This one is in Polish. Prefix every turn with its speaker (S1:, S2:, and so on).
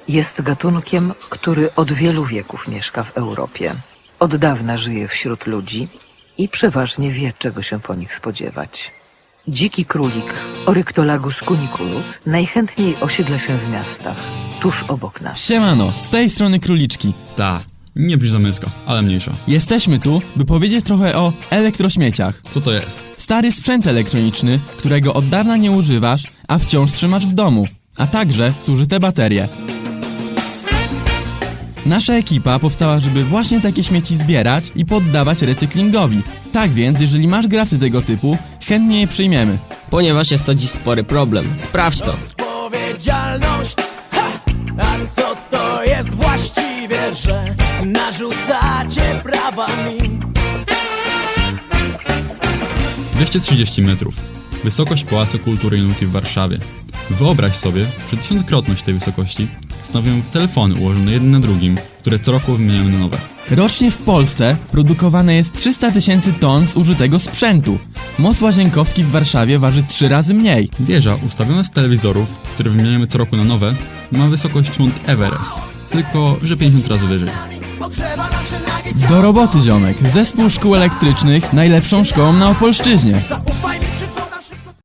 S1: Jest gatunkiem, który od wielu wieków mieszka w Europie. Od dawna żyje wśród ludzi i przeważnie wie, czego się po nich spodziewać. Dziki królik Oryctolagus cuniculus najchętniej osiedla się w miastach, tuż obok nas.
S2: Siemano, z tej strony króliczki.
S3: Ta, nie brzmi zamyska, ale mniejsza.
S2: Jesteśmy tu, by powiedzieć trochę o elektrośmieciach.
S3: Co to jest?
S2: Stary sprzęt elektroniczny, którego od dawna nie używasz, a wciąż trzymasz w domu, a także zużyte baterie. Nasza ekipa powstała, żeby właśnie takie śmieci zbierać i poddawać recyklingowi. Tak więc, jeżeli masz graty tego typu, chętnie je przyjmiemy.
S4: Ponieważ jest to dziś spory problem. Sprawdź to.
S5: Odpowiedzialność, ha! A co to jest właściwie, że narzucacie prawa mi?
S3: 230 metrów. Wysokość Pałacu Kultury i Nauki w Warszawie. Wyobraź sobie, że tysiąckrotność tej wysokości stanowią telefony ułożone jeden na drugim, które co roku wymieniamy na nowe.
S2: Rocznie w Polsce produkowane jest 300 000 ton zużytego sprzętu. Most Łazienkowski w Warszawie waży 3 razy mniej.
S3: Wieża ustawiona z telewizorów, które wymieniamy co roku na nowe, ma wysokość Mount Everest, tylko że 50 razy wyżej.
S5: Pogrzewa nasze nagie ciało.
S2: Do roboty, ziomek. Zespół szkół elektrycznych najlepszą szkołą na Opolszczyźnie.
S5: Zaufaj mi przy